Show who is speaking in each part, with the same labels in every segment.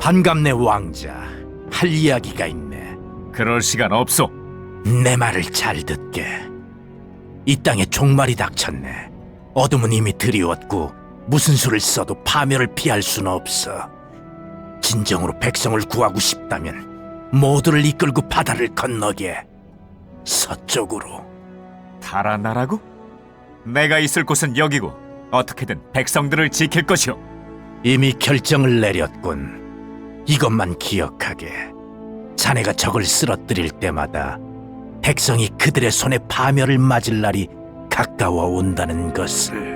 Speaker 1: 반갑네 왕자. 할 이야기가 있네.
Speaker 2: 그럴 시간 없소.
Speaker 1: 내 말을 잘 듣게. 이 땅에 종말이 닥쳤네. 어둠은 이미 드리웠고 무슨 수를 써도 파멸을 피할 수는 없어. 진정으로 백성을 구하고 싶다면 모두를 이끌고 바다를 건너게. 서쪽으로.
Speaker 2: 달아나라고? 내가 있을 곳은 여기고 어떻게든 백성들을 지킬 것이오.
Speaker 1: 이미 결정을 내렸군. 이것만 기억하게. 자네가 적을 쓰러뜨릴 때마다 백성이 그들의 손에 파멸을 맞을 날이 가까워 온다는 것을.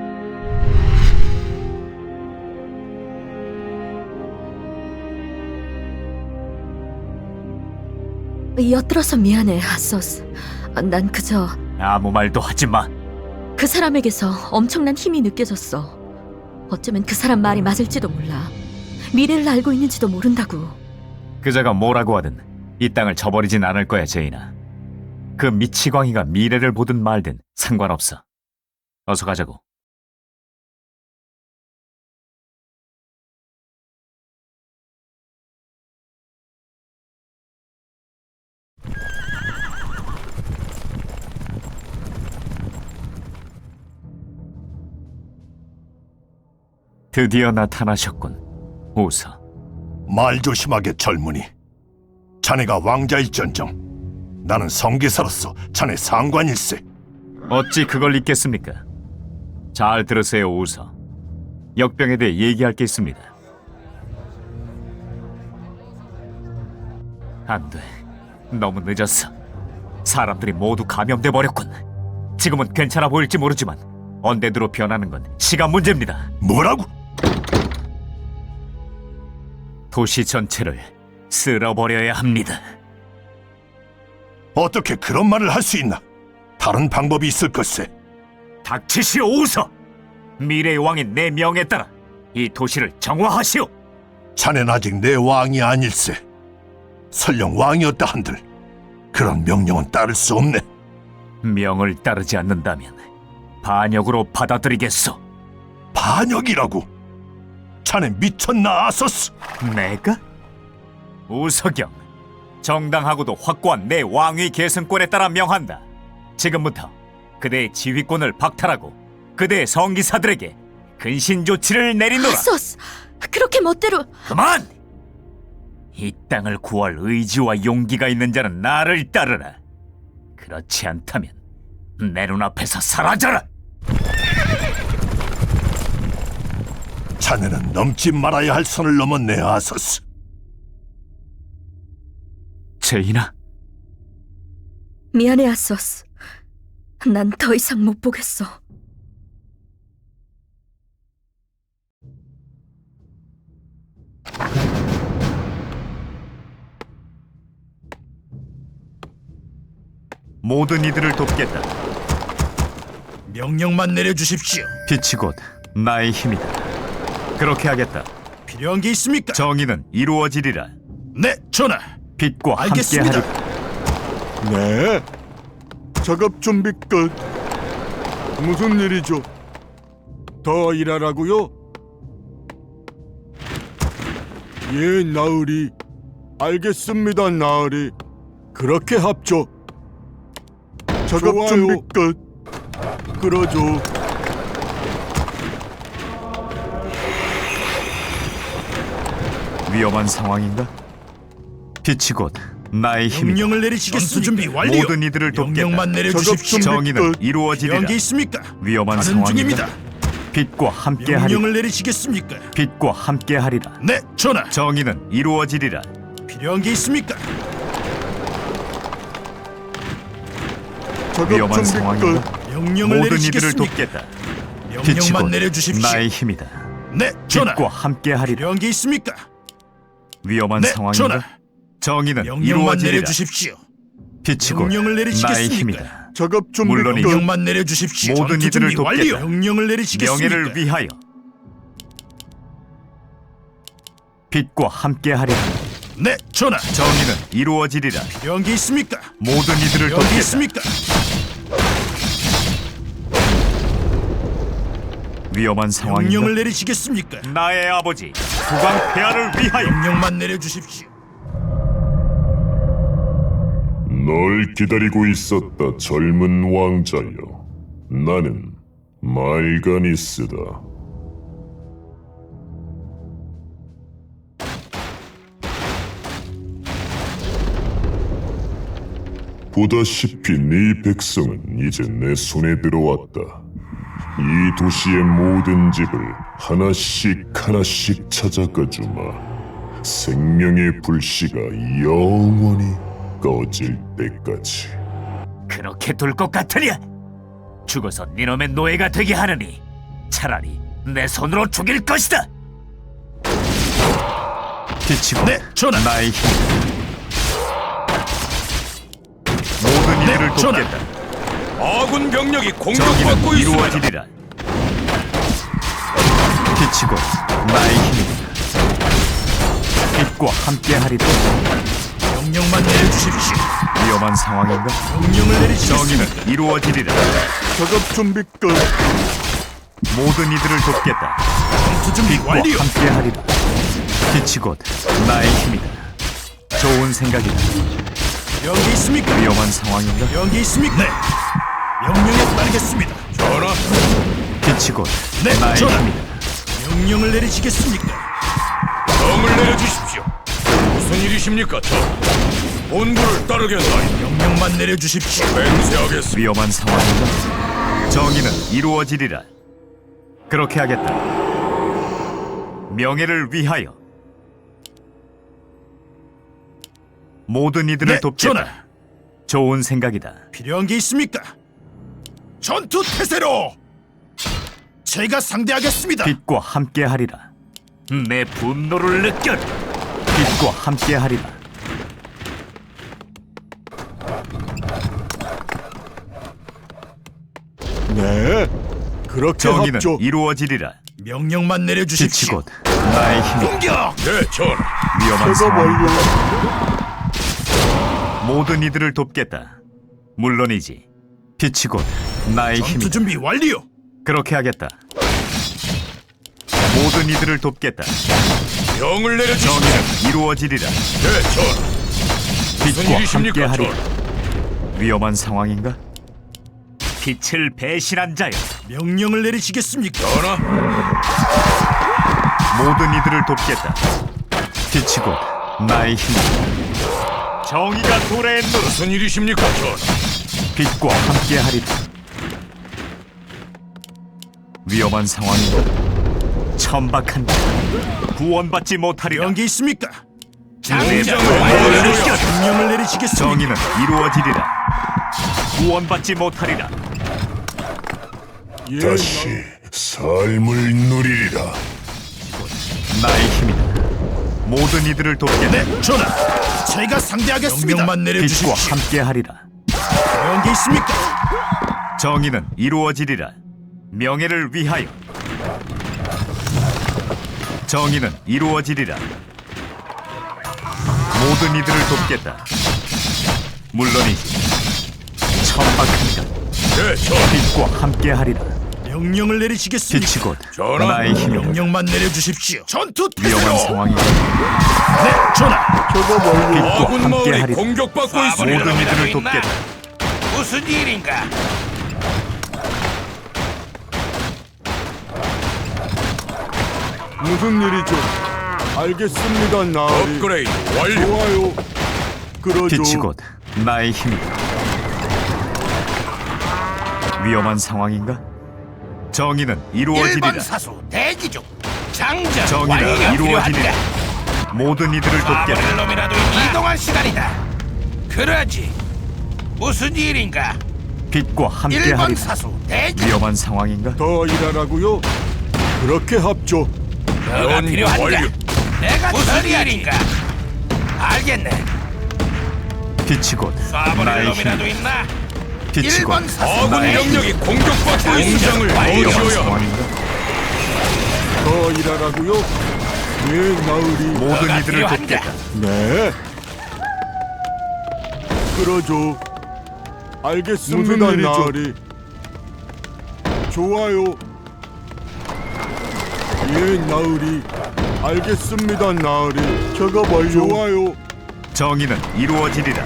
Speaker 3: 엿들어서 미안해, 아소스. 난 그저
Speaker 2: 아무 말도 하지 마.
Speaker 3: 그 사람에게서 엄청난 힘이 느껴졌어. 어쩌면 그 사람 말이 맞을지도 몰라. 미래를 알고 있는지도 모른다고.
Speaker 2: 그자가 뭐라고 하든 이 땅을 저버리진 않을 거야, 제인아. 그 미치광이가 미래를 보든 말든 상관없어. 어서 가자고. 드디어 나타나셨군, 우서.
Speaker 4: 말 조심하게 젊은이. 자네가 왕자일전정 나는 성기사로서 자네 상관일세.
Speaker 2: 어찌 그걸 잊겠습니까? 잘 들으세요, 우서. 역병에 대해 얘기할 게 있습니다. 안 돼. 너무 늦었어. 사람들이 모두 감염돼 버렸군. 지금은 괜찮아 보일지 모르지만 언데드로 변하는 건 시간 문제입니다.
Speaker 4: 뭐라고?
Speaker 2: 도시 전체를 쓸어버려야 합니다.
Speaker 4: 어떻게 그런 말을 할 수 있나? 다른 방법이 있을 것세.
Speaker 2: 닥치시오, 우서! 미래의 왕인 내 명에 따라 이 도시를 정화하시오!
Speaker 4: 자넨 아직 내 왕이 아닐세. 설령 왕이었다 한들 그런 명령은 따를 수 없네.
Speaker 2: 명을 따르지 않는다면 반역으로 받아들이겠소.
Speaker 4: 반역이라고? 자네 미쳤나, 아소스?
Speaker 2: 내가? 우서경, 정당하고도 확고한 내 왕위 계승권에 따라 명한다. 지금부터 그대의 지휘권을 박탈하고 그대의 성기사들에게 근신 조치를 내리노라.
Speaker 3: 아소스! 그렇게 멋대로...
Speaker 2: 그만! 이 땅을 구할 의지와 용기가 있는 자는 나를 따르라. 그렇지 않다면 내 눈앞에서 사라져라.
Speaker 4: 자네는 넘지 말아야 할 선을 넘었네, 아소스.
Speaker 2: 제인아,
Speaker 3: 미안해, 아소스. 난 더 이상 못 보겠어.
Speaker 2: 모든 이들을 돕겠다.
Speaker 5: 명령만 내려주십시오.
Speaker 2: 빛이 곧 나의 힘이다. 그렇게 하겠다.
Speaker 5: 필요한 게 있습니까?
Speaker 2: 정의는 이루어지리라.
Speaker 5: 네, 전하.
Speaker 2: 빛과
Speaker 5: 알겠습니다.
Speaker 2: 함께하리라.
Speaker 6: 네. 작업 준비 끝. 무슨 일이죠? 더 일하라고요? 예, 나으리. 알겠습니다, 나으리. 그렇게 합죠. 작업
Speaker 5: 좋아요.
Speaker 6: 준비 끝. 그러죠.
Speaker 2: 위험한 상황인가? 빛이 곧 나의 힘이다.
Speaker 5: 명령을 내리시겠습니까? 전투 준비 완료.
Speaker 2: 모든 이들을 돕겠다.
Speaker 5: 명령만 내려주십시오.
Speaker 6: 작업 준비
Speaker 2: 정의는
Speaker 6: 끝.
Speaker 5: 필요한 게
Speaker 2: 이루어지리라.
Speaker 5: 있습니까?
Speaker 2: 위험한
Speaker 5: 가는
Speaker 2: 상황인가?
Speaker 5: 중입니다.
Speaker 2: 빛과 함께하리라.
Speaker 5: 명령을 내리시겠습니까?
Speaker 2: 빛과 함께하리라.
Speaker 5: 네, 전하.
Speaker 2: 정의는 이루어지리라.
Speaker 5: 필요한 게 있습니까?
Speaker 6: 작업
Speaker 2: 위험한
Speaker 6: 준비
Speaker 2: 상황인가?
Speaker 6: 끝.
Speaker 5: 명령을
Speaker 2: 모든 이들을
Speaker 5: 내리시겠습니까?
Speaker 2: 돕겠다. 빛이
Speaker 5: 명령만
Speaker 2: 곧
Speaker 5: 내려주십시오.
Speaker 2: 나의 힘이다.
Speaker 5: 네, 전하.
Speaker 2: 빛과 함께하리라.
Speaker 5: 필요한 게 있습니까?
Speaker 2: 위험한
Speaker 5: 네,
Speaker 2: 상황인가?
Speaker 5: 전하.
Speaker 2: 정의는
Speaker 5: 명령만
Speaker 2: 이루어지리라.
Speaker 5: 내려주십시오.
Speaker 2: 빛이 곧
Speaker 5: 명령을
Speaker 2: 나의
Speaker 5: 내리시겠습니까?
Speaker 2: 힘이다.
Speaker 6: 작업 준비
Speaker 2: 물론이죠.
Speaker 6: 끝.
Speaker 5: 명령만 내려주십시오.
Speaker 2: 모든
Speaker 5: 전투
Speaker 2: 이들을
Speaker 5: 준비 완료.
Speaker 2: 돕겠다.
Speaker 5: 명령을 내리시겠습니까?
Speaker 2: 명예를 위하여 빛과 함께하리라.
Speaker 5: 네, 전하.
Speaker 2: 정의는 이루어지리라.
Speaker 5: 필요한 게 있습니까?
Speaker 2: 모든 이들을
Speaker 5: 필요한 게
Speaker 2: 돕겠다.
Speaker 5: 있습니까?
Speaker 2: 위험한 상황인가?
Speaker 5: 명령을 내리시겠습니까?
Speaker 2: 나의 아버지 국왕 폐하를 위하여
Speaker 5: 명령만 내려주십시오.
Speaker 7: 널 기다리고 있었다, 젊은 왕자여. 나는 말가니스다. 보다시피 네 백성은 이제 내 손에 들어왔다. 이 도시의 모든 집을 하나씩 하나씩 찾아가 주마. 생명의 불씨가 영원히 꺼질 때까지.
Speaker 2: 그렇게 둘 것 같으냐? 죽어서 니놈의 노예가 되게 하느니 차라리 내 손으로 죽일 것이다.
Speaker 1: 비치고
Speaker 5: 네, 전하.
Speaker 2: 나의 힘 모든
Speaker 5: 네,
Speaker 2: 이들을
Speaker 5: 전하.
Speaker 2: 돕겠다.
Speaker 5: 아군 병력이
Speaker 2: 정의는 이루어지리라. 비치고 나의 힘이다. 빛과 함께하리라.
Speaker 5: 명령만 내려주십시오.
Speaker 2: 위험한 상황인가?
Speaker 5: 명령을 내리시겠습니다.
Speaker 2: 정의는 이루어지리라.
Speaker 6: 작업 준비 끝.
Speaker 2: 모든 이들을 돕겠다.
Speaker 5: 전투 준비
Speaker 2: 빛과
Speaker 5: 완료.
Speaker 2: 함께하리라. 빛이 곧 나의 힘이다. 좋은 생각이다.
Speaker 5: 여기 있습니까?
Speaker 2: 위험한 상황인가?
Speaker 5: 여기 있습니까? 네. 명령에 따르겠습니다. 전하.
Speaker 2: 빛이 곧
Speaker 5: 네,
Speaker 2: 나의
Speaker 5: 전하.
Speaker 2: 힘이다.
Speaker 5: 명령을 내리시겠습니까? 명을 내려주십시오. 무슨 일이십니까, 전하? 본부를 따르겠나요? 명령만 내려주십시오. 맹세하겠습니다.
Speaker 2: 위험한 상황인가? 정의는 이루어지리라. 그렇게 하겠다. 명예를 위하여 모든 이들을
Speaker 5: 네,
Speaker 2: 돕겠다.
Speaker 5: 전하.
Speaker 2: 좋은 생각이다.
Speaker 5: 필요한 게 있습니까? 전투 태세로 제가 상대하겠습니다.
Speaker 2: 빛과 함께하리라. 내 분노를 느껴라. 빛과 함께하리라.
Speaker 6: 네. 그렇게
Speaker 2: 정의는
Speaker 6: 합죠.
Speaker 2: 이루어지리라.
Speaker 5: 명령만
Speaker 2: 빛이
Speaker 5: 내려주십시오.
Speaker 2: 곧 나의 힘이다.
Speaker 5: 공격! 네, 전하.
Speaker 2: 위험한
Speaker 6: 작업
Speaker 2: 상황.
Speaker 6: 완료.
Speaker 2: 모든 이들을 돕겠다. 물론이지. 빛이 곧 나의
Speaker 5: 전투
Speaker 2: 힘이다.
Speaker 5: 준비 완료.
Speaker 2: 그렇게 하겠다. 모든 이들을 돕겠다.
Speaker 5: 명을 내려주십시오.
Speaker 2: 정의는 이루어지리라.
Speaker 5: 네, 전하. 무슨
Speaker 2: 빛과
Speaker 5: 일이십니까,
Speaker 2: 함께하리라.
Speaker 5: 전하?
Speaker 2: 위험한 상황인가? 빛을 배신한 자여,
Speaker 5: 명령을 내리시겠습니까? 전하.
Speaker 2: 모든 이들을 돕겠다. 빛이 곧 나의 힘이다. 정의가 도래했노라.
Speaker 5: 무슨 일이십니까, 전하?
Speaker 2: 빛과 함께하리라. 위험한 상황인가? 천박한 자, 구원받지 못하리라.
Speaker 5: 필요한 게 있습니까?
Speaker 2: 장정을
Speaker 5: 명령을
Speaker 2: 내려주시오.
Speaker 5: 명령을 내리시겠습니까?
Speaker 2: 정의는 이루어지리라. 구원받지 못하리라.
Speaker 6: 예,
Speaker 7: 다시 삶을 누리리라.
Speaker 2: 나의 힘이다. 모든 이들을 돕겠다.
Speaker 5: 네, 전하. 제가 상대하겠습니다. 명령만
Speaker 2: 빛과
Speaker 5: 내려주십시오.
Speaker 2: 함께하리라.
Speaker 5: 필요한 게 있습니까?
Speaker 2: 정의는 이루어지리라. 명예를 위하여. 정의는 이루어지리라. 모든 이들을 돕겠다. 물론이지. 천박한가.
Speaker 5: 네, 전하.
Speaker 2: 빛과 함께하리라.
Speaker 5: 명령을 내리시겠습니까?
Speaker 2: 빛이 곧
Speaker 5: 전하.
Speaker 2: 나의 힘이다.
Speaker 5: 명령만 내려주십시오. 전투 태세로.
Speaker 2: 위험한 상황이다.
Speaker 5: 네, 전하.
Speaker 6: 작업 완료.
Speaker 2: 빛과
Speaker 5: 아군 마을이
Speaker 2: 함께하리라.
Speaker 5: 공격받고
Speaker 2: 모든
Speaker 5: 있습니다.
Speaker 2: 이들을 돕겠다.
Speaker 5: 무슨 일인가?
Speaker 6: 무슨 일이죠? 알겠습니다, 나으리.
Speaker 5: 업그레이드 완료.
Speaker 6: 좋아요. 그러죠.
Speaker 2: 빛이 곧 나의 힘이다. 위험한 상황인가? 정의는 이루어지리라.
Speaker 5: 사수 대기 중. 장전
Speaker 2: 정의는 이루어지리라. 모든 이들을 돕겠다.
Speaker 5: 놈이라도 이동할 시간이다. 그러지. 무슨 일인가?
Speaker 2: 빛과 함께하리라.
Speaker 5: 사수 대기.
Speaker 2: 위험한 상황인가?
Speaker 6: 더 일하라고요? 그렇게 합죠.
Speaker 5: 너가 필요한가? 내가 무슨 일인가? 알겠네.
Speaker 2: 빛이 곧 나의 힘이다.
Speaker 5: 있나?
Speaker 2: 빛이 곧
Speaker 5: 아군
Speaker 2: 나의
Speaker 5: 병력이 공격받고 있는
Speaker 2: 위험한
Speaker 5: 어지어야
Speaker 2: 상황인가?
Speaker 6: 더 일하라고요? 예, 나으리.
Speaker 2: 모든 이들을
Speaker 5: 필요한가?
Speaker 2: 돕겠다.
Speaker 6: 네. 그러죠. 알겠습니다, 무슨 일이죠? 나으리. 좋아요. 예, 나으리. 알겠습니다, 나으리. 작업 완료. 좋아요.
Speaker 2: 정의는 이루어지리라.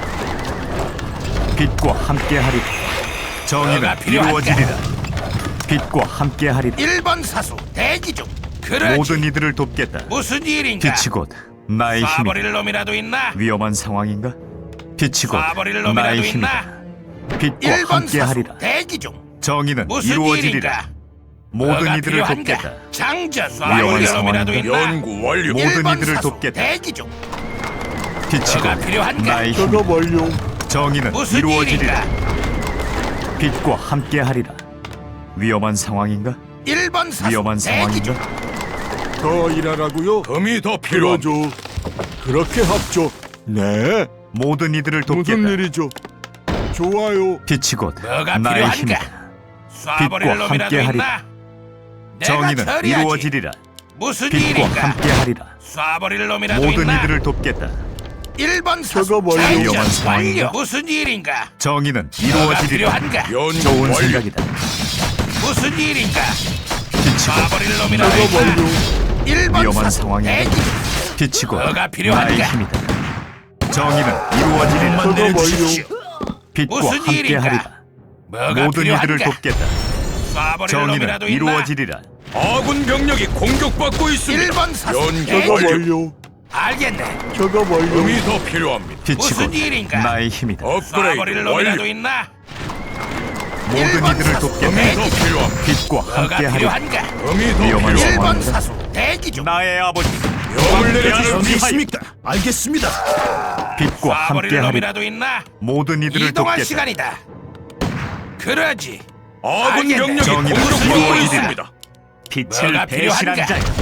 Speaker 2: 빛과 함께하리라. 정의는
Speaker 1: 뭐가 필요한가?
Speaker 2: 이루어지리라. 빛과 함께하리라.
Speaker 1: 1번 사수 대기 중. 그러지.
Speaker 2: 모든 이들을 돕겠다.
Speaker 1: 무슨 일인가?
Speaker 2: 빛이 곧 나의 힘이다.
Speaker 1: 쏴버릴 놈이라도 있나?
Speaker 2: 위험한 상황인가? 빛이 곧
Speaker 1: 쏴버릴 놈이라도
Speaker 2: 나의
Speaker 1: 있나?
Speaker 2: 힘이다. 빛과
Speaker 1: 1번 사수
Speaker 2: 함께하리라.
Speaker 1: 대기 중.
Speaker 2: 정의는
Speaker 1: 무슨
Speaker 2: 이루어지리라.
Speaker 1: 일인가?
Speaker 2: 모든
Speaker 1: 뭐가
Speaker 2: 이들을
Speaker 1: 필요한가?
Speaker 2: 돕겠다.
Speaker 1: 장전
Speaker 2: 위험한
Speaker 1: 쏴버릴 놈이라도
Speaker 2: 상황인가?
Speaker 1: 있나?
Speaker 7: 연구 완료.
Speaker 2: 모든
Speaker 1: 1번
Speaker 2: 이들을
Speaker 1: 사수
Speaker 2: 돕겠다.
Speaker 1: 대기 중.
Speaker 2: 빛이
Speaker 1: 뭐가
Speaker 2: 곧
Speaker 1: 필요한가?
Speaker 2: 나의 힘이다.
Speaker 6: 작업 완료.
Speaker 2: 정의는
Speaker 1: 무슨
Speaker 2: 이루어지리라.
Speaker 1: 일인가?
Speaker 2: 빛과 함께하리라. 위험한 상황인가?
Speaker 1: 1번 사수
Speaker 2: 위험한
Speaker 1: 대기 중.
Speaker 2: 상황인가?
Speaker 6: 더 일하라고요?
Speaker 7: 금이 더 필요합니다.
Speaker 6: 그러죠. 그렇게 합죠. 네.
Speaker 2: 모든 이들을
Speaker 6: 무슨
Speaker 2: 돕겠다.
Speaker 6: 일이죠? 좋아요.
Speaker 2: 빛이 곧
Speaker 1: 뭐가
Speaker 2: 나의
Speaker 1: 필요한가?
Speaker 2: 힘이다.
Speaker 1: 쏴버릴
Speaker 2: 빛과
Speaker 1: 놈이라도
Speaker 2: 함께하리라.
Speaker 1: 있나? 내가
Speaker 2: 정의는
Speaker 1: 처리하지.
Speaker 2: 이루어지리라.
Speaker 1: 무슨
Speaker 2: 빛과
Speaker 1: 일인가?
Speaker 2: 함께하리라.
Speaker 1: 쏴버릴 놈이라도
Speaker 2: 모든
Speaker 1: 있나?
Speaker 2: 이들을 돕겠다.
Speaker 1: 1번 사수
Speaker 6: 작업 완료.
Speaker 1: 장전
Speaker 2: 위험한 상황인가?
Speaker 1: 완료. 무슨 일인가?
Speaker 2: 정의는
Speaker 1: 뭐가
Speaker 2: 이루어지리라.
Speaker 1: 필요한가?
Speaker 7: 연구
Speaker 2: 좋은
Speaker 7: 완료.
Speaker 2: 생각이다.
Speaker 1: 무슨 일인가?
Speaker 2: 빛이
Speaker 1: 쏴버릴 놈이라도
Speaker 6: 작업 완료.
Speaker 1: 있나? 1번
Speaker 2: 위험한
Speaker 1: 사수
Speaker 2: 상황인가?
Speaker 1: 대기 중.
Speaker 2: 곧 빛이 곧
Speaker 1: 뭐가 필요한가?
Speaker 2: 나의 힘이다. 정의는 이루어지리라.
Speaker 6: 작업
Speaker 1: 내려주십시오.
Speaker 2: 빛과
Speaker 1: 무슨
Speaker 2: 함께하리라.
Speaker 1: 뭐가
Speaker 2: 모든 이들을
Speaker 1: 필요한가?
Speaker 2: 돕겠다.
Speaker 1: 쏴버릴
Speaker 2: 정의는
Speaker 1: 놈이라도 있나?
Speaker 2: 이루어지리라.
Speaker 7: 아군 병력이 공격받고 있습니다.
Speaker 1: 1번 사수
Speaker 7: 연구
Speaker 1: 대기
Speaker 6: 작업
Speaker 1: 중.
Speaker 6: 완료.
Speaker 1: 알겠네.
Speaker 6: 작업 완료.
Speaker 7: 금이 더 필요합니다.
Speaker 2: 빛이
Speaker 1: 무슨
Speaker 2: 곧
Speaker 1: 일인가?
Speaker 2: 나의 힘이다.
Speaker 1: 쏴버릴
Speaker 7: 업그레이드
Speaker 1: 놈이라도
Speaker 7: 완료.
Speaker 1: 있나?
Speaker 2: 모든
Speaker 1: 1번
Speaker 2: 이들을
Speaker 1: 사수
Speaker 2: 돕겠다.
Speaker 7: 금이 더
Speaker 1: 대기 중.
Speaker 7: 필요합니다.
Speaker 2: 빛과
Speaker 1: 뭐가
Speaker 2: 함께하리라.
Speaker 1: 필요한가?
Speaker 7: 금이 더
Speaker 2: 위험한
Speaker 7: 필요합니다.
Speaker 1: 1번
Speaker 2: 상황인가?
Speaker 1: 사수 대기 중.
Speaker 2: 나의 아버지
Speaker 7: 명을 내려주십시오.
Speaker 5: 있습니까? 알겠습니다.
Speaker 2: 빛과
Speaker 1: 쏴버릴
Speaker 2: 함께하리라.
Speaker 1: 놈이라도 있나?
Speaker 2: 모든 이들을
Speaker 1: 이동할
Speaker 2: 돕겠다.
Speaker 1: 시간이다. 그러지.
Speaker 7: 아군
Speaker 1: 알겠네.
Speaker 7: 병력이
Speaker 2: 정의는
Speaker 7: 공격받고
Speaker 1: 이루어지리라.
Speaker 7: 있습니다.
Speaker 2: 빛을
Speaker 1: 뭐가
Speaker 2: 배신한
Speaker 1: 필요한가?
Speaker 2: 자여.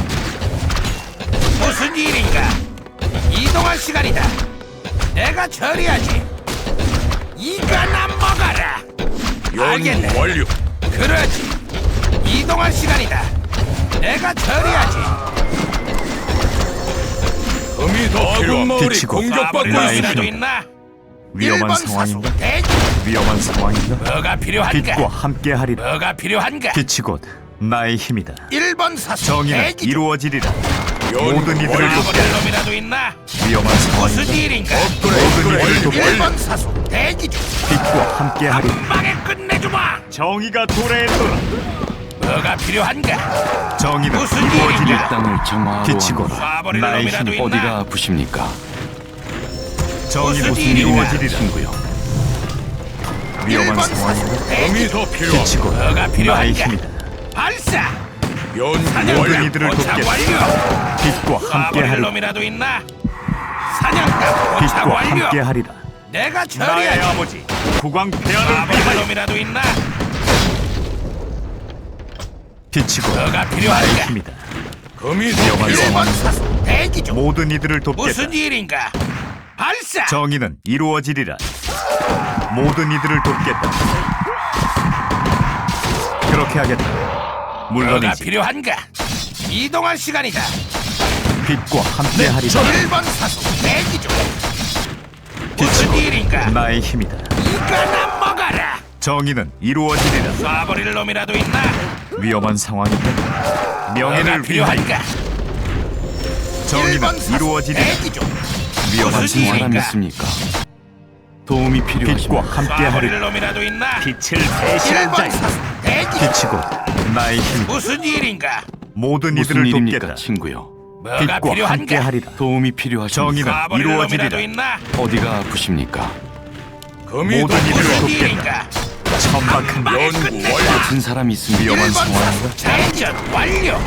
Speaker 1: 무슨 일인가? 이동할 시간이다. 내가 처리하지. 이거나 먹어라. 알겠네.
Speaker 7: 연구 완료.
Speaker 1: 그러지. 이동할 시간이다. 내가 처리하지.
Speaker 7: 금이 더 아군 마을이
Speaker 2: 빛이 곧
Speaker 7: 공격받고
Speaker 1: 쏴버릴
Speaker 2: 나의
Speaker 1: 놈이라도
Speaker 2: 힘이다.
Speaker 1: 있나?
Speaker 2: 위험한
Speaker 1: 1번 사수
Speaker 2: 상황인가?
Speaker 1: 대기.
Speaker 2: 위험한 상황인가?
Speaker 1: 뭐가 필요한가?
Speaker 2: 빛과 함께하리라.
Speaker 1: 뭐가 필요한가?
Speaker 2: 빛이 곧 나의 힘이다.
Speaker 1: 1번 사수
Speaker 2: 정의는
Speaker 1: 대기 중.
Speaker 2: 이루어지리라.
Speaker 7: 연구
Speaker 2: 모든 이들을
Speaker 7: 완료.
Speaker 2: 돕겠다.
Speaker 1: 쏴버릴 놈이라도 있나?
Speaker 2: 위험한
Speaker 1: 무슨
Speaker 2: 상황인가?
Speaker 1: 일인가?
Speaker 2: 모든 이들을 돕겠다.
Speaker 1: 1번 사수 대기 중.
Speaker 2: 빛과 함께하리라.
Speaker 1: 빵에 끝내주마.
Speaker 2: 정의가 도래했노라.
Speaker 1: 뭐가 필요한가?
Speaker 2: 정의는
Speaker 1: 무슨
Speaker 2: 이루어지리라.
Speaker 1: 일인가?
Speaker 8: 땅을 정화하러
Speaker 2: 빛이 곧
Speaker 1: 쏴버릴
Speaker 2: 나의
Speaker 1: 놈이라도
Speaker 2: 힘.
Speaker 1: 있나?
Speaker 8: 어디가 아프십니까?
Speaker 2: 정의는
Speaker 1: 무슨 일인가?
Speaker 2: 이루어지리라.
Speaker 8: 친구요.
Speaker 2: 위험한
Speaker 1: 1번
Speaker 2: 상황인가?
Speaker 1: 사수 대기
Speaker 7: 금이
Speaker 1: 중.
Speaker 7: 더
Speaker 2: 빛이
Speaker 7: 필요합니다.
Speaker 2: 곧
Speaker 1: 뭐가
Speaker 2: 나의
Speaker 1: 필요한가?
Speaker 2: 힘이다.
Speaker 1: 발사.
Speaker 7: 연구
Speaker 2: 모든
Speaker 7: 완료.
Speaker 2: 이들을
Speaker 1: 포착
Speaker 2: 돕겠다.
Speaker 1: 완료.
Speaker 2: 빛과
Speaker 1: 쏴버릴
Speaker 2: 함께하리라.
Speaker 1: 놈이라도 있나? 사냥감 포착
Speaker 2: 빛과
Speaker 1: 완료.
Speaker 2: 함께하리라.
Speaker 1: 내가
Speaker 2: 나의
Speaker 1: 처리하지.
Speaker 2: 아버지 국왕 폐하를
Speaker 1: 쏴버릴
Speaker 2: 위하여.
Speaker 1: 놈이라도 있나?
Speaker 2: 빛이 곧
Speaker 1: 뭐가
Speaker 2: 나의
Speaker 1: 필요한가?
Speaker 2: 힘이다.
Speaker 7: 금이 더
Speaker 2: 위험한
Speaker 1: 1번
Speaker 7: 필요합니다.
Speaker 1: 사수 대기 중.
Speaker 2: 모든 이들을 돕겠다.
Speaker 1: 무슨 일인가? 발사.
Speaker 2: 정의는 이루어지리라. 모든 이들을 돕겠다. 그렇게 하겠다.
Speaker 1: 뭐가
Speaker 2: 물론이지.
Speaker 1: 필요한가? 이동할 시간이다.
Speaker 2: 빛과 함께하리라.
Speaker 1: 1번 사수 대기 중. 무슨 일인가?
Speaker 2: 나의 힘이다.
Speaker 1: 이거나 먹어라.
Speaker 2: 정의는 이루어지리라.
Speaker 1: 쏴버릴 놈이라도 있나?
Speaker 2: 위험한 상황인가?
Speaker 1: 뭐가
Speaker 2: 명예를 위하여.
Speaker 1: 필요한가?
Speaker 2: 정의는
Speaker 1: 1번 사수
Speaker 2: 이루어지리라.
Speaker 1: 대기 중.
Speaker 2: 위험한
Speaker 1: 무슨
Speaker 2: 상황.
Speaker 8: 사람
Speaker 1: 일인가?
Speaker 8: 있습니까? 도움이
Speaker 2: 빛과
Speaker 8: 필요하십니까?
Speaker 1: 쏴버릴
Speaker 2: 함께하리라.
Speaker 1: 놈이라도 있나?
Speaker 2: 빛을 배신한
Speaker 1: 1번
Speaker 2: 자여.
Speaker 1: 사수 대기 중.
Speaker 2: 빛이 곧 나의 힘이다.
Speaker 1: 무슨 일인가?
Speaker 2: 모든
Speaker 8: 무슨
Speaker 2: 이들을
Speaker 8: 일입니까,
Speaker 2: 돕겠다.
Speaker 8: 친구요?
Speaker 1: 뭐가
Speaker 2: 빛과
Speaker 1: 필요한가?
Speaker 2: 함께하리라.
Speaker 8: 도움이 필요하십니까?
Speaker 2: 정의는
Speaker 1: 쏴버릴 놈이라도
Speaker 2: 이루어지리라.
Speaker 1: 있나?
Speaker 8: 어디가 아프십니까?
Speaker 7: 금이 더
Speaker 2: 모든 이들을
Speaker 1: 무슨
Speaker 7: 필요합니다.
Speaker 1: 일인가?
Speaker 2: 천박한
Speaker 1: 빵에
Speaker 7: 연구
Speaker 1: 끝내자.
Speaker 7: 완료.
Speaker 8: 다친 사람 있습니까?
Speaker 2: 위험한
Speaker 1: 1번
Speaker 2: 상황인가?
Speaker 1: 사수 장전 완료.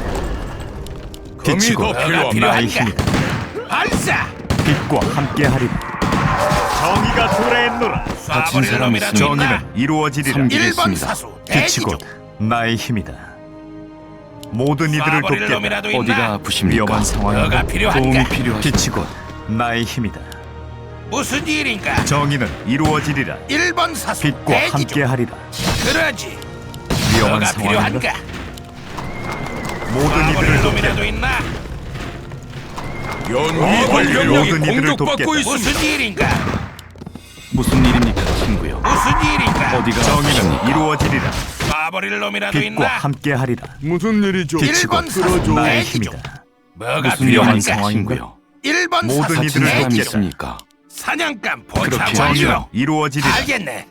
Speaker 2: 빛이
Speaker 7: 금이
Speaker 2: 곧
Speaker 7: 더 필요합니다.
Speaker 2: 나의
Speaker 1: 필요한가?
Speaker 2: 힘이다.
Speaker 1: 발사.
Speaker 2: 빛과 함께하리라. 정의가 도래했노라.
Speaker 8: 다친
Speaker 1: 쏴버릴
Speaker 8: 사람
Speaker 1: 놈이라도
Speaker 8: 있습니까?
Speaker 1: 있나?
Speaker 2: 정의는 이루어지리라.
Speaker 8: 삼-
Speaker 1: 1번
Speaker 8: 알겠습니다.
Speaker 1: 사수 대기
Speaker 2: 빛이
Speaker 1: 중.
Speaker 2: 곧 나의 힘이다. 모든 이들을
Speaker 1: 쏴버릴
Speaker 2: 돕겠다.
Speaker 1: 놈이라도 있나?
Speaker 8: 어디가 아프십니까?
Speaker 2: 위험한 상황인가?
Speaker 1: 뭐가 필요한가?
Speaker 8: 도움이 필요하십니까?
Speaker 2: 빛이 곧 나의 힘이다.
Speaker 1: 무슨 일인가?
Speaker 2: 정의는 이루어지리라.
Speaker 1: 1번 사수
Speaker 2: 빛과
Speaker 1: 대기 중.
Speaker 2: 함께하리라.
Speaker 1: 그러지.
Speaker 2: 위험한
Speaker 1: 뭐가
Speaker 2: 상황인가?
Speaker 1: 필요한가?
Speaker 2: 모든
Speaker 1: 쏴버릴
Speaker 2: 이들을 돕겠다.
Speaker 1: 놈이라도 있나?
Speaker 7: 연구
Speaker 2: 완료.
Speaker 7: 병력이
Speaker 2: 모든 이들을
Speaker 7: 공격받고
Speaker 2: 돕겠다.
Speaker 7: 있습니다.
Speaker 1: 무슨 일인가?
Speaker 8: 무슨 일입니까, 친구요?
Speaker 1: 무슨 일인가?
Speaker 8: 어디가
Speaker 2: 정의는
Speaker 8: 아프십니까?
Speaker 2: 이루어지리라.
Speaker 1: 쏴버릴 놈이라도
Speaker 2: 빛과
Speaker 1: 있나?
Speaker 2: 함께하리라.
Speaker 6: 무슨 일이죠?
Speaker 2: 빛이
Speaker 1: 1번
Speaker 2: 곧
Speaker 1: 사수
Speaker 2: 나의
Speaker 1: 대기 중.
Speaker 2: 힘이다.
Speaker 7: 뭐가
Speaker 8: 무슨
Speaker 2: 위험한
Speaker 8: 일입니까,
Speaker 2: 상황인가?
Speaker 8: 친구요?
Speaker 7: 1번
Speaker 2: 모든
Speaker 7: 사수
Speaker 2: 이들을
Speaker 8: 다친 사람
Speaker 2: 돕겠다.
Speaker 8: 있습니까?
Speaker 7: 사냥감
Speaker 8: 그렇게
Speaker 7: 포착
Speaker 2: 정의는
Speaker 7: 완료.
Speaker 2: 이루어지리라.
Speaker 7: 알겠네.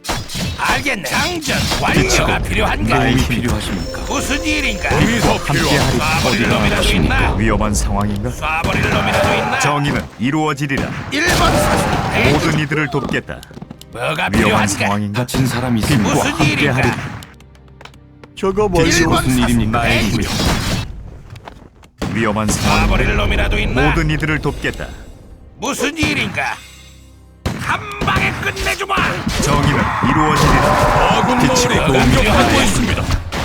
Speaker 7: 장전 완료가 필요한가?
Speaker 8: 도움이 필요하십니까?
Speaker 7: 무슨 일인가? 놈이 더
Speaker 2: 함께하리.
Speaker 7: 쏴버릴
Speaker 8: 어디가
Speaker 7: 놈이라도
Speaker 8: 아프십니까?
Speaker 7: 있나?
Speaker 2: 위험한 상황인가?
Speaker 7: 쏴버릴 놈이라도 있나?
Speaker 2: 정의는 이루어지리라.
Speaker 7: 1번 사수 대기 중.
Speaker 2: 모든 이들을 돕겠다.
Speaker 7: 뭐가
Speaker 2: 위험한
Speaker 7: 필요한가?
Speaker 2: 상황인가?
Speaker 8: 다친 사람 있습니까?
Speaker 7: 무슨 일인가?
Speaker 2: 함께하리.
Speaker 6: 작업 완료.
Speaker 7: 일본
Speaker 8: 무슨 일입니까,
Speaker 7: 사수 대기
Speaker 8: 친구요?
Speaker 7: 중.
Speaker 2: 위험한 상황인가?
Speaker 7: 쏴버릴 놈이라도 있나?
Speaker 2: 모든 이들을 돕겠다.
Speaker 7: 무슨 일인가? 한 방에 끝내주마!
Speaker 2: 정의는 이루어지리라.
Speaker 7: 아군
Speaker 2: 빛이
Speaker 7: 마을이
Speaker 2: 도움이
Speaker 7: 공격받고 있습니다.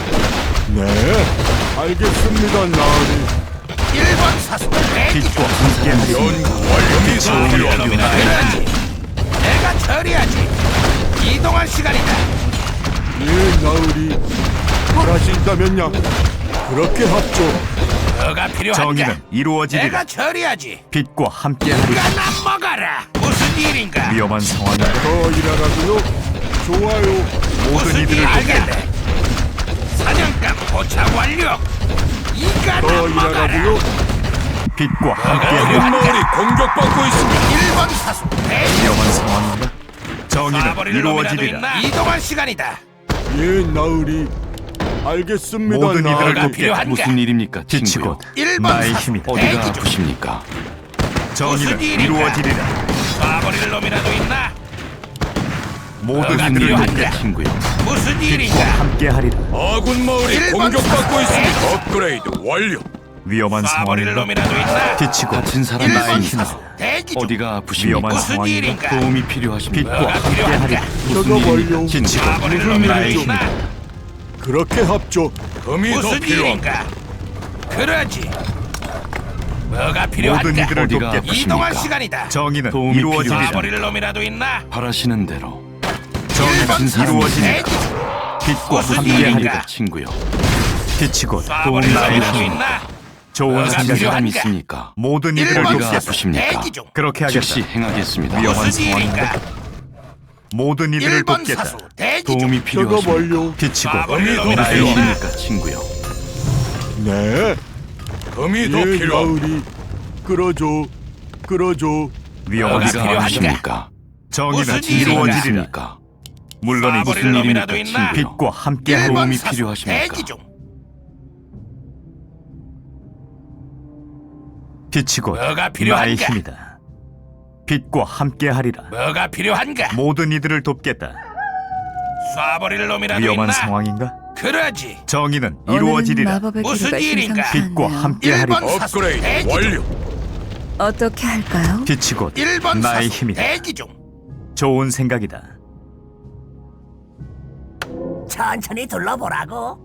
Speaker 6: 네, 알겠습니다, 나으리.
Speaker 7: 1번 사수 대기 중.
Speaker 2: 빛과 함께하리.
Speaker 7: 연구 완료. 쏴버릴 놈이라도 있나? 내가 처리하지. 이동할 시간이다.
Speaker 6: 예, 나으리. 잘하신다면야. 그렇게 합죠.
Speaker 7: 뭐가 필요한가?
Speaker 2: 정의는 이루어지리라.
Speaker 7: 내가 처리하지.
Speaker 2: 빛과 함께하리.
Speaker 7: 가나 먹어라. 무슨 일인가?
Speaker 2: 위험한 상황인가?
Speaker 6: 더 일하라고요? 좋아요.
Speaker 2: 모든
Speaker 7: 무슨
Speaker 2: 이들을
Speaker 7: 일
Speaker 2: 돕겠다.
Speaker 7: 알겠네. 사냥감 포착 완료. 이가나
Speaker 6: 더
Speaker 7: 먹어라.
Speaker 6: 일하라고요?
Speaker 2: 빛과 함께하리.
Speaker 7: 마을이 공격받고 있습니다. 1번 사수 대기.
Speaker 2: 위험한 상황인가? 정의는
Speaker 7: 쏴버릴 놈이라도
Speaker 2: 이루어지리라.
Speaker 7: 있나? 이동할 시간이다.
Speaker 6: 예, 나으리. 알겠습니다,
Speaker 2: 모든 이들을
Speaker 6: 나으리.
Speaker 7: 돕-
Speaker 2: 돕겠다.
Speaker 7: 필요한가?
Speaker 8: 무슨 일입니까,
Speaker 2: 빛이
Speaker 8: 친구요?
Speaker 2: 곧
Speaker 7: 1번
Speaker 2: 나의
Speaker 7: 사수
Speaker 2: 힘이다.
Speaker 8: 어디가
Speaker 7: 대기 중.
Speaker 8: 아프십니까?
Speaker 2: 정의는
Speaker 7: 무슨 일인가?
Speaker 2: 이루어지리라.
Speaker 7: 쏴버릴 놈이라도 있나?
Speaker 2: 모든
Speaker 7: 뭐가
Speaker 2: 이들을
Speaker 7: 필요한가?
Speaker 2: 돕겠다.
Speaker 8: 친구요.
Speaker 7: 무슨
Speaker 2: 빛과
Speaker 7: 일인가?
Speaker 2: 함께하리라.
Speaker 7: 아군 마을이 공격받고 있습니다. 업그레이드 완료.
Speaker 2: 위험한
Speaker 7: 쏴버릴
Speaker 2: 상황인가?
Speaker 7: 놈이라도 있나?
Speaker 2: 빛이 곧
Speaker 8: 다친 사람
Speaker 7: 1번
Speaker 8: 있습니까?
Speaker 7: 사수 대기 중.
Speaker 8: 어디가 아프십니까?
Speaker 2: 위험한
Speaker 7: 무슨
Speaker 2: 상황인가?
Speaker 7: 일인가?
Speaker 8: 도움이 필요하십니까?
Speaker 2: 빛과
Speaker 7: 뭐가
Speaker 2: 함께하리라.
Speaker 7: 필요한가?
Speaker 8: 무슨
Speaker 6: 작업
Speaker 8: 일입니까,
Speaker 6: 완료.
Speaker 8: 친구요?
Speaker 7: 쏴버릴
Speaker 6: 무슨
Speaker 7: 놈이라도
Speaker 6: 일이죠?
Speaker 7: 있나?
Speaker 6: 그렇게 합죠.
Speaker 7: 무슨 일인가? 그러지. 뭐가 필요한가?
Speaker 2: 모든 이들을
Speaker 8: 어디가
Speaker 2: 돕겠다.
Speaker 7: 이동할
Speaker 8: 아프십니까?
Speaker 7: 시간이다.
Speaker 2: 정의는
Speaker 8: 도움이
Speaker 2: 이루어지리라.
Speaker 7: 쏴버릴 놈이라도 있나?
Speaker 8: 바라시는 대로
Speaker 2: 정의는
Speaker 8: 다친 사람
Speaker 2: 이루어지리라.
Speaker 7: 대기 중.
Speaker 2: 빛과
Speaker 7: 무슨
Speaker 2: 함께하리라.
Speaker 7: 일인가?
Speaker 8: 친구요.
Speaker 2: 빛이 곧
Speaker 7: 쏴버릴
Speaker 2: 나의
Speaker 7: 놈이라도
Speaker 2: 힘.
Speaker 7: 있나?
Speaker 2: 좋은
Speaker 7: 뭐가
Speaker 8: 다친
Speaker 2: 생각이다.
Speaker 8: 사람
Speaker 7: 필요한가?
Speaker 8: 있습니까?
Speaker 2: 모든 이들을
Speaker 7: 1번
Speaker 8: 어디가
Speaker 2: 돕겠다.
Speaker 7: 사수
Speaker 8: 아프십니까?
Speaker 7: 대기 중.
Speaker 2: 그렇게 하겠다.
Speaker 8: 즉시 행하겠습니다.
Speaker 2: 위험한
Speaker 7: 무슨
Speaker 2: 상황인가?
Speaker 7: 일인가?
Speaker 2: 모든 이들을
Speaker 7: 1번
Speaker 2: 돕겠다.
Speaker 7: 사수 대기 중.
Speaker 8: 도움이
Speaker 6: 작업
Speaker 8: 필요하십니까?
Speaker 6: 완료.
Speaker 2: 빛이 곧
Speaker 7: 쏴버릴
Speaker 2: 나의
Speaker 7: 놈이라도
Speaker 2: 힘.
Speaker 7: 있나?
Speaker 8: 무엇입니까, 친구요?
Speaker 6: 네,
Speaker 7: 금이
Speaker 6: 예, 나으리. 끌어줘.
Speaker 2: 위험한
Speaker 7: 어디가
Speaker 8: 어디가
Speaker 2: 상황인가?
Speaker 8: 아프십니까?
Speaker 2: 정의는
Speaker 7: 무슨 일인가?
Speaker 2: 이루어지리라.
Speaker 8: 있습니까?
Speaker 2: 물론이지.
Speaker 7: 쏴버릴
Speaker 8: 무슨
Speaker 7: 놈이라도
Speaker 8: 일입니까,
Speaker 7: 있나?
Speaker 8: 친구요?
Speaker 2: 빛과 함께하리.
Speaker 7: 1번
Speaker 8: 도움이
Speaker 7: 사수
Speaker 8: 필요하십니까?
Speaker 7: 대기 중.
Speaker 2: 빛이 곧
Speaker 7: 뭐가
Speaker 2: 나의
Speaker 7: 필요한가?
Speaker 2: 힘이다. 빛과 함께하리라.
Speaker 7: 뭐가 필요한가?
Speaker 2: 모든 이들을 돕겠다.
Speaker 7: 쏴버릴 놈이라도
Speaker 2: 위험한
Speaker 7: 있나?
Speaker 2: 상황인가?
Speaker 7: 그러지.
Speaker 2: 정의는
Speaker 9: 오늘은
Speaker 2: 이루어지리라.
Speaker 9: 마법의
Speaker 7: 무슨
Speaker 9: 기류가
Speaker 7: 일인가?
Speaker 9: 심상치
Speaker 2: 빛과
Speaker 9: 않네요.
Speaker 2: 함께하리라.
Speaker 7: 1번 사수 대기 중.
Speaker 9: 어떻게 할까요?
Speaker 2: 빛이 곧
Speaker 7: 1번
Speaker 2: 나의
Speaker 7: 사수
Speaker 2: 힘이다.
Speaker 7: 대기 중.
Speaker 2: 좋은 생각이다.
Speaker 10: 천천히 둘러보라고.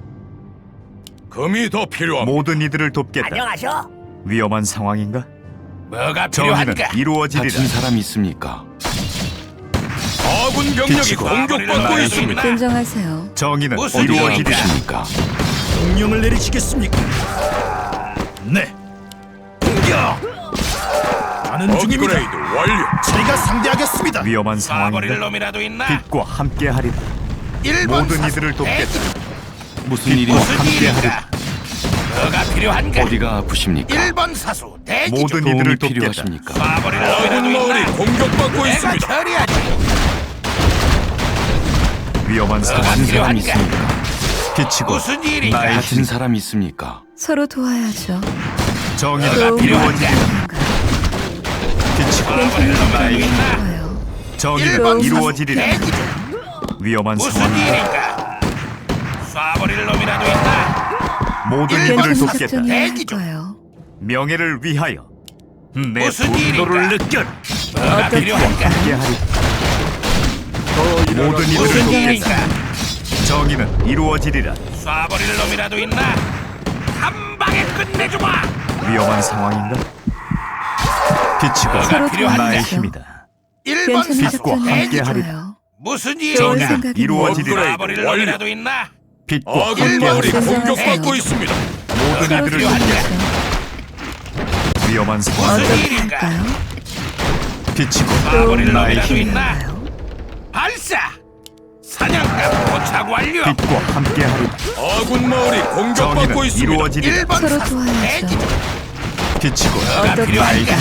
Speaker 7: 금이 더 필요합니다.
Speaker 2: 모든 이들을 돕겠다.
Speaker 10: 안녕하셔.
Speaker 2: 위험한 상황인가?
Speaker 7: 뭐가
Speaker 2: 정의는
Speaker 7: 필요한가?
Speaker 2: 이루어지리라.
Speaker 8: 다친 사람 있습니까?
Speaker 7: 아군 병력이
Speaker 2: 빛이
Speaker 7: 공격받고 있습니다.
Speaker 9: 진정하세요.
Speaker 2: 정의는
Speaker 7: 무슨
Speaker 8: 어디가
Speaker 2: 이루어지리라.
Speaker 8: 아프십니까?
Speaker 5: 명령을 내리시겠습니까? 네. 공격. 가는 중입니다.
Speaker 7: 완료.
Speaker 5: 제가 상대하겠습니다.
Speaker 2: 위험한
Speaker 7: 쏴버릴
Speaker 2: 상황인가?
Speaker 7: 놈이라도 있나?
Speaker 2: 빛과 함께하리라.
Speaker 7: 1번
Speaker 2: 모든
Speaker 7: 사수
Speaker 2: 이들을 돕겠다.
Speaker 7: 대기 중.
Speaker 8: 무슨
Speaker 2: 빛과
Speaker 8: 일입니까?
Speaker 7: 무슨
Speaker 2: 함께하리라.
Speaker 7: 일인가? 뭐가 필요한가?
Speaker 8: 어디가 아프십니까?
Speaker 7: 1번 사수 대기 중.
Speaker 2: 모든
Speaker 8: 도움이
Speaker 2: 이들을 돕겠다.
Speaker 8: 필요하십니까?
Speaker 7: 쏴버릴 놈이라도 있나? 공격받고 내가 처리하지.
Speaker 2: 위험한
Speaker 7: 뭐가
Speaker 2: 상황인가?
Speaker 8: 사람
Speaker 7: 필요한가?
Speaker 8: 있습니까?
Speaker 2: 빛이 곧
Speaker 7: 무슨 일인가?
Speaker 2: 나의
Speaker 8: 다친
Speaker 2: 힘.
Speaker 8: 사람 있습니까?
Speaker 9: 서로 도와야죠.
Speaker 2: 정의는
Speaker 9: 도움이
Speaker 2: 이루어지리라.
Speaker 9: 필요한가요?
Speaker 2: 빛이 곧
Speaker 7: 쏴버릴 놈이라도
Speaker 2: 나의 힘.
Speaker 7: 있나?
Speaker 9: 좋아요.
Speaker 2: 정의는
Speaker 7: 1번 사수
Speaker 2: 이루어지리라.
Speaker 7: 대기 중.
Speaker 2: 위험한
Speaker 7: 무슨
Speaker 2: 상황인가?
Speaker 7: 일인가? 쏴버릴 놈이라도 있나?
Speaker 2: 모든
Speaker 7: 일번
Speaker 2: 이들을
Speaker 9: 괜찮은
Speaker 2: 돕겠다.
Speaker 9: 작전이 할
Speaker 7: 대기 중.
Speaker 9: 거예요.
Speaker 2: 명예를 위하여 내
Speaker 7: 무슨
Speaker 2: 분노를
Speaker 7: 일인가?
Speaker 2: 느껴.
Speaker 7: 뭐가
Speaker 9: 어떻게
Speaker 7: 필요한가?
Speaker 2: 함께하리.
Speaker 6: 더 일하라고.
Speaker 2: 모든 이들을
Speaker 7: 무슨
Speaker 2: 돕겠다.
Speaker 7: 일인가?
Speaker 2: 정의는 이루어지리라.
Speaker 7: 쏴버릴 놈이라도 있나? 한 방에 끝내주마!
Speaker 2: 위험한 상황인가? 빛이 곧
Speaker 9: 서로
Speaker 7: 필요한가?
Speaker 2: 나의
Speaker 9: 도와야죠.
Speaker 2: 힘이다.
Speaker 7: 1번
Speaker 9: 괜찮은
Speaker 2: 빛과
Speaker 7: 사수
Speaker 9: 작전이 할
Speaker 2: 함께하리라.
Speaker 9: 거예요.
Speaker 7: 무슨
Speaker 9: 좋은
Speaker 7: 일인가?
Speaker 2: 정의는
Speaker 9: 생각이네요.
Speaker 2: 이루어지리라.
Speaker 7: 쏴버릴 놈이라도 있나?
Speaker 2: 빛과
Speaker 7: 아군
Speaker 2: 함께하리라.
Speaker 7: 마을이
Speaker 9: 진정하세요.
Speaker 7: 공격받고 있습니다.
Speaker 2: 모든
Speaker 9: 서로
Speaker 2: 이들을
Speaker 7: 필요한가?
Speaker 2: 돕겠다. 위험한 상황.
Speaker 7: 무슨
Speaker 9: 어떻게
Speaker 7: 일인가?
Speaker 9: 할까요?
Speaker 2: 빛이 곧
Speaker 7: 쏴버릴
Speaker 2: 나의
Speaker 7: 놈이라도
Speaker 2: 힘.
Speaker 7: 있나?
Speaker 9: 필요한가요?
Speaker 7: 발사! 사냥감 포착 완료!
Speaker 2: 빛과 함께하리라.
Speaker 7: 아군 마을이
Speaker 2: 정의는 이루어지리라.
Speaker 7: 1번
Speaker 9: 서로
Speaker 7: 사수
Speaker 9: 도와야죠.
Speaker 7: 대기 중.
Speaker 2: 비치고
Speaker 9: 어떻게 할까요?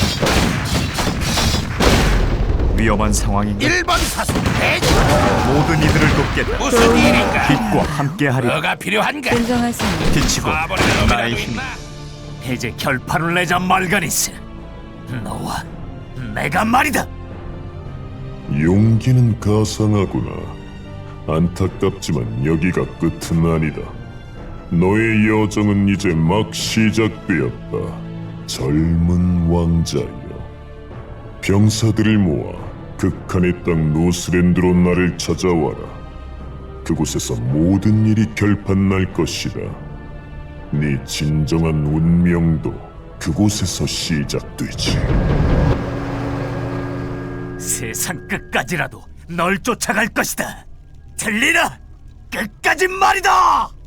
Speaker 2: 위험한 상황인가?
Speaker 7: 1번 사수 대지.
Speaker 2: 모든 이들을 돕겠다.
Speaker 7: 무슨 일인가?
Speaker 2: 빛과 함께하리.
Speaker 7: 뭐가 필요한가?
Speaker 9: 진정하세요.
Speaker 2: 비치고
Speaker 7: 쏴버리는
Speaker 2: 나의
Speaker 7: 놈이라도
Speaker 2: 힘.
Speaker 7: 있나?
Speaker 2: 이제 결판을 내자 말가니스. 너와 내가 말이다.
Speaker 11: 용기는 가상하구나. 안타깝지만 여기가 끝은 아니다. 너의 여정은 이제 막 시작되었다. 젊은 왕자여. 병사들을 모아 극한의 땅 노스랜드로 나를 찾아와라. 그곳에서 모든 일이 결판날 것이다. 네 진정한 운명도 그곳에서 시작되지.
Speaker 2: 세상 끝까지라도 널 쫓아갈 것이다. 들리나? 끝까지 말이다.